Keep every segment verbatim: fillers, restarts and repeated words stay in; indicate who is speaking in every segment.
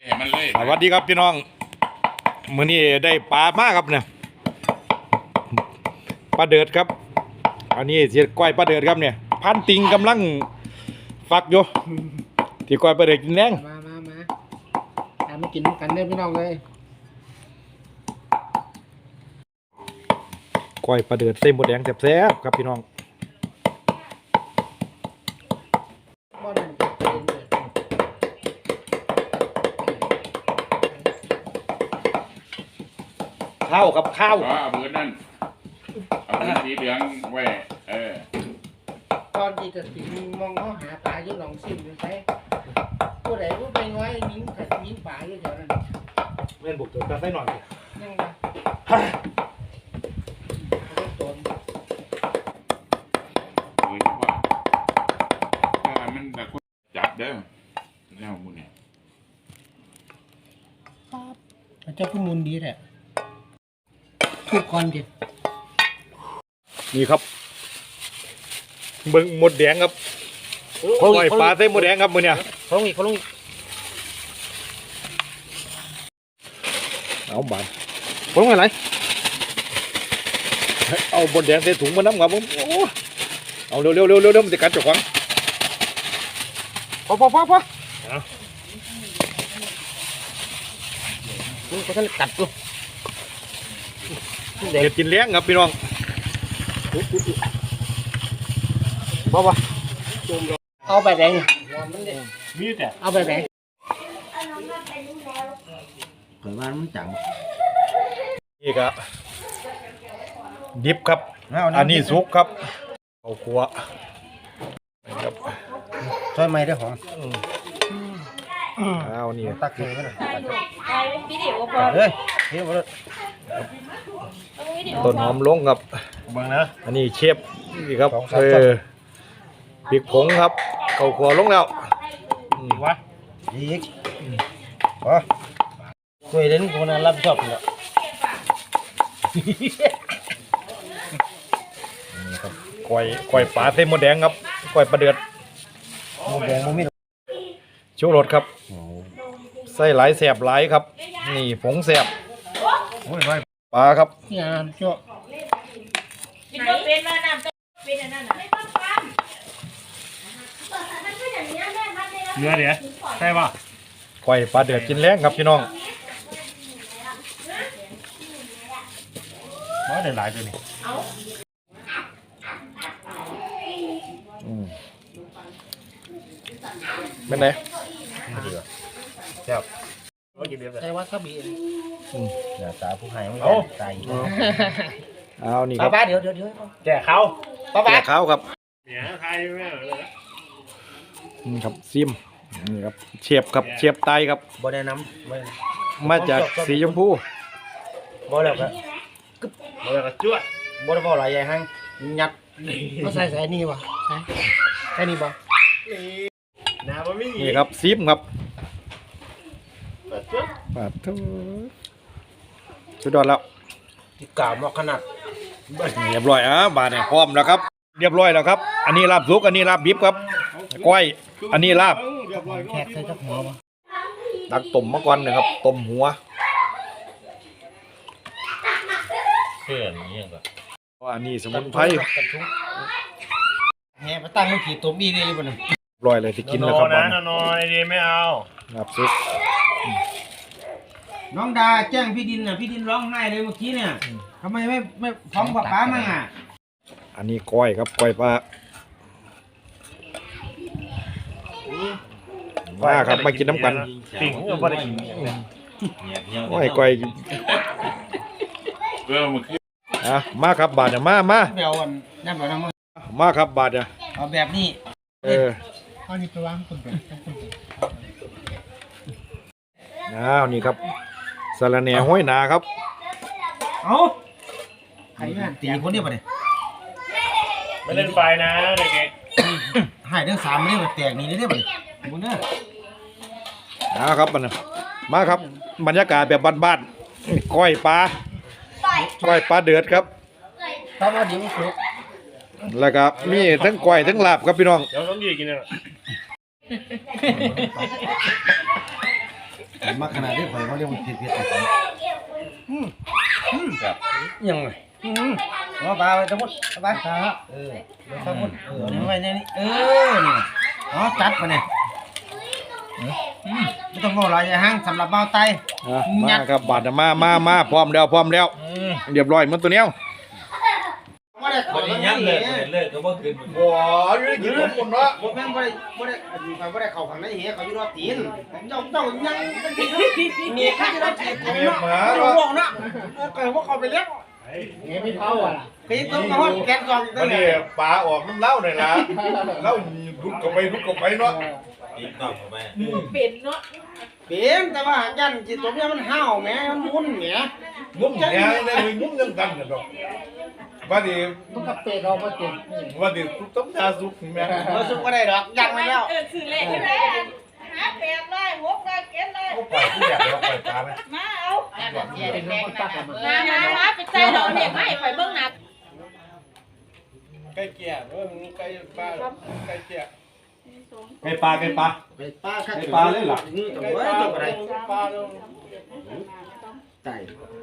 Speaker 1: สวัสดีครับพี่น้องมื้อนี้ได้ปลามากครับเนี่ยปลาเดือดครับอันนี้เสียก้อยปลาเดือดครับเนี่ยพันติงกำลังฟักอยู่ที่ก้อยปลาเดือดกินแรง
Speaker 2: มามามาทำมากินกันได้พี่น้องเลย
Speaker 1: ก้อยปลาเดือดเส้นหมดแดงแซ่บๆครับพี่น้องข้าวกับข้าว
Speaker 3: อ๋อเอาเบอร์นั่นเอาเบอร์สีเหลืองไว้เออ
Speaker 2: ตอนที่จะสิมองเขาหาปลาอยู่หนองซิมอยู่ใช่ผู้ใดผู้ไปน้อยมิ้งกับมิ้งปลาอยู่แถวนั้น
Speaker 1: เล่นบุกตัวกันได้หน่อย
Speaker 2: ยังไงโดน
Speaker 3: โอ้ยว่าถ้ามันแบบจับเด้อแล้วมึงเนี่ย
Speaker 2: เจ้าขึ้นมูลดีแหละทุกคนดิ
Speaker 1: นี่ครับเบิ่งหมดแดงครับก้อยปลาเส้นหมดแดงครับมือเนี่ย
Speaker 2: เขาลงอีกเขาลงอีก
Speaker 1: เอาบานผมอะไรเอาบนแดงใส่ถุงมาน้ำครับผมโอ้เอาเร็วเร็วเร็วเร็วเร็วมันจะกัดจุกขวางพอพอพอพอ
Speaker 2: นี่เขาท่านกัดตัว
Speaker 1: เด็ดกินเลี้ยงครับพี่น้องพอปะ
Speaker 2: เอาไปแดง
Speaker 1: มีแต่
Speaker 2: เอาไปแดงเกิดมามันจัง
Speaker 1: นี่ครับดิบครับอันนี้ซุกครับเอาขัวครับ
Speaker 2: ช่วยไม่ได้หอม
Speaker 1: เอานี่
Speaker 2: ตักเลยก็ได้
Speaker 4: เฮ้ย
Speaker 2: เฮ้ยมาเลย
Speaker 1: ต้นหอมลงครับบังนะอันนี้เชฟนี่ครับเออพริกผงครับเข้าขัวลงแล้ว
Speaker 2: วะอีกอ๋อช่วยเล่นคนนั้นรับชอบเลย
Speaker 1: นี่ครับก้อยก้อยปลาเส้นหมดแดงครับก้อยปลาเดือด
Speaker 2: หมดแดงมันไม่
Speaker 1: ชูรสครับใส่หลายแสบหลายครับนี่ผงแสบปลาครับ
Speaker 2: งานชั่ว
Speaker 4: เป็นเป็นว่าน้ำต้มเป็นอันนั้นไม่ต้องทำ
Speaker 1: เนื้อเดี๋ยวใช่ป่ะก้อยปลาเดือดกินแรงครับพี่น้องมาได้หลายตัวนี่เป็นไง
Speaker 2: ครับใช่ว่าข้าบี
Speaker 1: อย่าตาผู้ให้ไม่ตายเอานี่
Speaker 2: ครับป้าเดี๋ยวเดี๋ยวเดี๋ยว
Speaker 1: แจกเขา
Speaker 2: ป้า
Speaker 1: แจกเขาครับ
Speaker 3: เนี่ยไทยไม่เลย
Speaker 1: นี่ครับซิมนี่ครับเชียบครับเชียบไตครับ
Speaker 2: บ่ได้น้ำ
Speaker 1: มาจากสีชมพู
Speaker 2: บ่แล้วครับ
Speaker 3: บ่แล้วก็จ้วด
Speaker 2: บ่ได้บ่หลายใหญ่ห้างยัดก็ใส่ใส่นี่วะใส่ใส่นี่บ่
Speaker 1: นี่ครับซิมครับปาดทุสุดยอดแล้ว
Speaker 2: ติดกาวมากขนาด
Speaker 1: เรียบร้อยอ่ะบาทเนี่ยพร้อมแล้วครับเรียบร้อยแล้วครับอันนี้ลาบซุกอันนี้ลาบดิบครับก้อยอันนี้ลาบ
Speaker 2: แขกใส่กับหัววะ
Speaker 1: ตักต้มมะกอนนะครับต้มหัว
Speaker 3: เพื่อนนี่ก็
Speaker 1: อันนี้สมุนไพร
Speaker 2: แห่ไปตั้งมันผีต้มอีนี่บ่นึง
Speaker 1: รอยเลยที่กินแล้วครับ
Speaker 3: นะนอนดีไม่เอา
Speaker 1: ลาบซุก
Speaker 2: น้องดาแจ้งพี่ดินน่ะพี่ดินร้องไห้เลยเมื่อกี้เนี่ยทำไมไม่ไม่ฟ้องป้าป้ามั่งอ่ะ
Speaker 1: อันนี้ก้อยครับก้อยปลาว่าครับมากินน้ำกัน
Speaker 3: ปิ่งก็ไม่ได้กิน
Speaker 1: ก้อยก้อย
Speaker 3: เออมันคือ
Speaker 1: อ่ะมาครับบาทเนี่ยมามา
Speaker 2: เดี๋ยววันนั่นแบบนั้น
Speaker 1: มาครับบาทเนี่ย
Speaker 2: เอาแบบนี้
Speaker 1: เออ
Speaker 2: เอานี่ไปวางคนเดียว
Speaker 1: อ้าวนี่ครับสารแหน่ห้อยนาครับ
Speaker 2: เอาใครเนี่ยตีคนเดียวไปเลย
Speaker 3: ไม่เล่นไฟนะเด็ก
Speaker 2: ๆหายเรื่องสามไม่ได้มาแตกนี่ได้ไหมบุญเนอร์
Speaker 1: อ้าวครับมันมาครับบรรยากาศแบบบ้านๆก้อยปลาก้อยปลาเดือดครับ
Speaker 2: ปลามาเดี๋ยวสุก
Speaker 1: แล้วก็มีทั้งก้อยทั้งลาบครับพี่น้อง
Speaker 3: เดี๋ยวต้องยืดกินเลย
Speaker 5: มาขนาดที่ข่อยเขาเรียกว่าเผ็ดเผ็ด
Speaker 1: ยังไง
Speaker 5: เอาปลาไปสมุดเอาไปปลาเออสมุดเออนี่ไว้นี่เออนี่อ๋อจัดมาเนี่ยไม่ต้องบอกอะไรอย่าห้างสำหรับเบาไต
Speaker 1: มาครับบาดมามามาพร้อมแล้วพร้อมแล้วเรียบร้อยมันตัวเนี้ย
Speaker 2: บ่ได้ขอ
Speaker 6: วัน
Speaker 2: กั
Speaker 6: นี้
Speaker 2: น
Speaker 6: ยับเลย
Speaker 2: นี่
Speaker 6: เลิกก็บ่ขึ้น
Speaker 1: บัวยืดยืดคนเนาะ
Speaker 2: บ่แม่นบ่ได้บ่ได้อยู่ไปบ่ได้เข้าข้างในเหี้ยเขาอยู่รอบตีนเจ้าเจ้ายังเป็นตีนมีข้าจะได้ตีน
Speaker 1: เมียหมา
Speaker 2: เนาะ
Speaker 1: เนาะ
Speaker 2: บอกนะเออว่าเขาไปเลี้ยงเฮ้ยไม่เท่าอ่ะไปต้องมาฮอดแกนกอง
Speaker 1: วันนี้ปลาออกน้ำเล้าหน่อยละเล้าลุกเข้าไปลุกเข้าไปเนาะ
Speaker 6: ตีนต้องไป
Speaker 4: เป็นเนาะ
Speaker 2: เป็นแต่ว่ายันจิตตัวเนี้ยมันห้าวแหมมันมุนแหม
Speaker 1: งุ้มเนี่ยได้งุ้มยังกันกันเนาะวันนี้
Speaker 2: มันก็เตะเราบ่เต็ม
Speaker 1: วันนี้ต้มยาสุกแม่
Speaker 2: บ่สุกบ่ได้ดอกยันไว้แล้ว
Speaker 4: เออคือเลขใช่ไหมหาแปดเลยหกเลยเจ็ดเลย
Speaker 1: เขาปล่อยผู้ใหญ่เราปล่อยปลาไหม
Speaker 4: มาเอา
Speaker 2: เป็นน้องตักมา
Speaker 4: มามามาไปใส่ดอกเนี่ยไม่ไปเบิ่งหนัก
Speaker 2: ไก่เกียร์เออไก่ปลาไก่เกียร์
Speaker 1: ไก่ปลาไก่ปลา
Speaker 2: ไก่ปลา
Speaker 1: ไก่ปลาเลยเหรอ
Speaker 2: นี่ตัวเว้ยตัวอะไรปลาไก่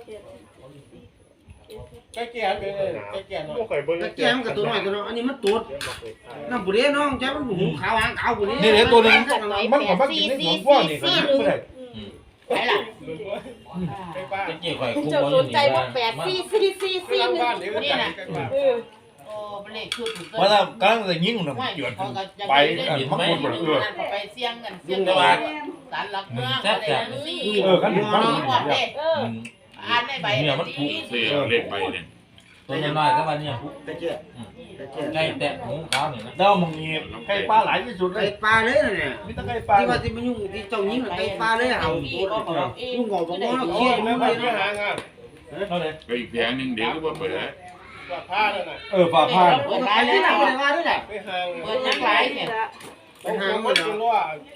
Speaker 2: ไก่เกียร์เป็นไก่เกียร์เนาะไก่เกียร์มันกับตัวน้อยตัวน้อยอันนี้มันตูดน้ำบุเรน้องจ้ามันหูขาวหางขาวบุเร
Speaker 1: นี่เดี๋ยวตัวนึงมันก็มากินในหัวพ่อนี่ก็ไม่ได้
Speaker 4: ไปล่ะ
Speaker 6: จะเกี่ยวกับคู่
Speaker 4: เจ้า
Speaker 6: บ่
Speaker 4: สนใจบ่แปดสี่สี่สี่สี่หนึ่งนี่น่ะเออ
Speaker 7: โอ้เป็นเลขชุดถูก
Speaker 1: เพราะถ้ากำลังจะยิงมัน
Speaker 7: ไม่
Speaker 1: หยด
Speaker 7: เขาก็ยัง
Speaker 1: ไป
Speaker 7: ไม่
Speaker 1: อัน
Speaker 7: ได้
Speaker 1: มันหมดเออ
Speaker 7: นั่นเขาไปเสี่ยงกันเสี่ยงกันสารหลักเมืองอะไรนั่นนี่
Speaker 1: เออขั้นหนึ่งขั้นห
Speaker 7: น้
Speaker 1: นึ่
Speaker 7: อง
Speaker 1: ง
Speaker 7: บอกเด็ก
Speaker 4: เออ
Speaker 7: อ่านในใบ
Speaker 6: เนี่ยมันถูก
Speaker 3: เสียเลขใบเนี่ย
Speaker 6: ตัวน้อยก็ว่าเนี่ย
Speaker 2: ไก่เกียร์ไก่เกียร์
Speaker 6: ไก่แตะหูขาวนี่นะ
Speaker 1: เด้ามึงนี่ไก่ปลาหลายที่สุดเล
Speaker 2: ไก่
Speaker 1: ย
Speaker 2: ปลาเลยเนี่ย
Speaker 1: มีแต่ไก่ปลา
Speaker 2: ที่ว่าที่มันยุ่งที่เจ้ายิงไก่ปลาเลยเอายุ่งงอบอกว่าเขี้ยไม่ไปไม่หางาน
Speaker 1: เท่าไหร่
Speaker 3: ก็อีกแผงหนึงเดี๋ยวก็บ่เปิด
Speaker 2: ผ้าเลยนะ
Speaker 1: เออปลาพาน
Speaker 2: เปิดร้านที่ไหนเปิดร้านที่ไหนไปหาง
Speaker 7: เปิดยังไงเนี่ย
Speaker 2: ไปหางมันเหรอ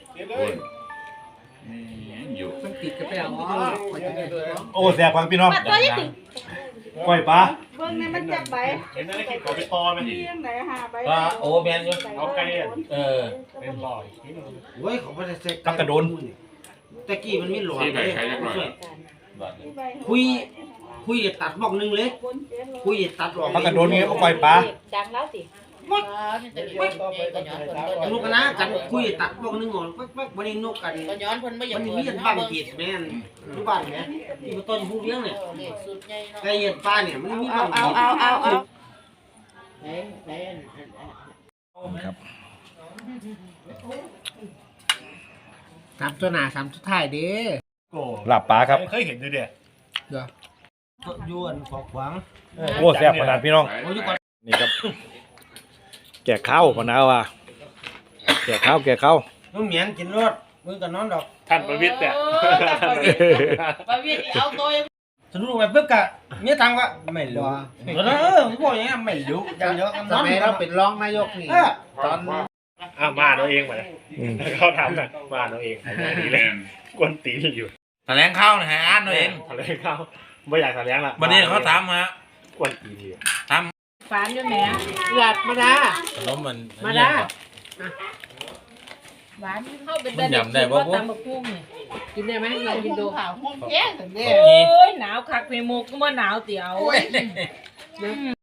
Speaker 3: นี่อยู่
Speaker 2: ต้องติดกระเป๋าอ๋อ
Speaker 1: โอ้แสบฟังพี่น้อง
Speaker 4: มาตัวนี้ถึง
Speaker 1: ก้อยปลา
Speaker 4: เบิ่งในมันจับใบ
Speaker 1: เห็นอะไรกินเขาไปตอไหม
Speaker 4: เลี้ยงไหนหาใบ
Speaker 6: ก็โอ้แม่นอยู่
Speaker 1: เอาไก่
Speaker 6: เออ
Speaker 1: เป็นลอย
Speaker 2: เฮ้ยเขาไม่ได้เซ็กตะกี้มันไม่หลอนเลยคุยคุยตัดบอกนึงเลยคุยตัดออก
Speaker 1: ปลากระโดนเงี้ยก็ก้อยปลา
Speaker 4: ดังแล้วสิ
Speaker 7: นี่จะเรียกก็ย้อนคน
Speaker 2: นกกันนะกันคุยตัดบอกนึงออกปักปักวันนี้นกกัน
Speaker 7: ก็ย้อนคนไม่อยา
Speaker 2: มั
Speaker 7: ก
Speaker 2: น
Speaker 7: เปิ
Speaker 2: มี
Speaker 7: ด
Speaker 2: บ้านเกียรติแม่นทุกบ้านเนี่ยที่ต้นผู้เลี้ยงเนี่ย
Speaker 7: เลขสุดใหญ่เนาะ
Speaker 2: ไก่เห็ดปลาเนี่ยมันมีบ้าน
Speaker 4: เอาเอาเอาเอา
Speaker 7: ไหนไหน
Speaker 1: ครับ
Speaker 2: สามตัวหน้าสามตัวท้ายเด้
Speaker 1: หลับปลาครับเคยเห็นด้วยเดีย
Speaker 2: ยวนขอขวาง
Speaker 1: โอ้แสบขนาดพี่น้อง
Speaker 2: โอ้ยก่อน
Speaker 1: นี่ครับ แก่ข้าวพนาวอ่ะแก่ข้าวแก่ข้าว
Speaker 2: น้องเหมียนกินรถมือกับน้องดอก
Speaker 1: ท่านประวิตรเนี่ย
Speaker 7: ประวิตรเอาตัว
Speaker 2: สนุกไปปึ๊บกะเมียตังก็ไม่รู้เออผมบอกอย่างนี้ไม่รู้อย่างเดียวกัน
Speaker 5: สมัยเราเป็นรองนายกนี่
Speaker 2: เออ
Speaker 5: ตอน
Speaker 8: อ่ะมาเราเองไปเขาทำนะมาเราเองดีเลยกวนตีนอยู่
Speaker 6: แถลงข่าวนะฮะอ่านเอาเอง
Speaker 8: ทะเลเขาไม่อยากทะเลละ
Speaker 6: วันนี้เขาถามฮะ
Speaker 8: กวนตีนอยู่
Speaker 4: ฝานอยู่ไหน
Speaker 2: หลับมาดา
Speaker 6: ขนมมัน
Speaker 2: มาดา
Speaker 4: หวานเข้าเป็นได้ว่าตำบักหุ่งนี่กินได้ไหมเรากินดู
Speaker 7: ข่าวห้องแก้งเนี่ย
Speaker 4: โอ้ยหนาวคักเพมุกก็ว่าหนาวเตี๋ยว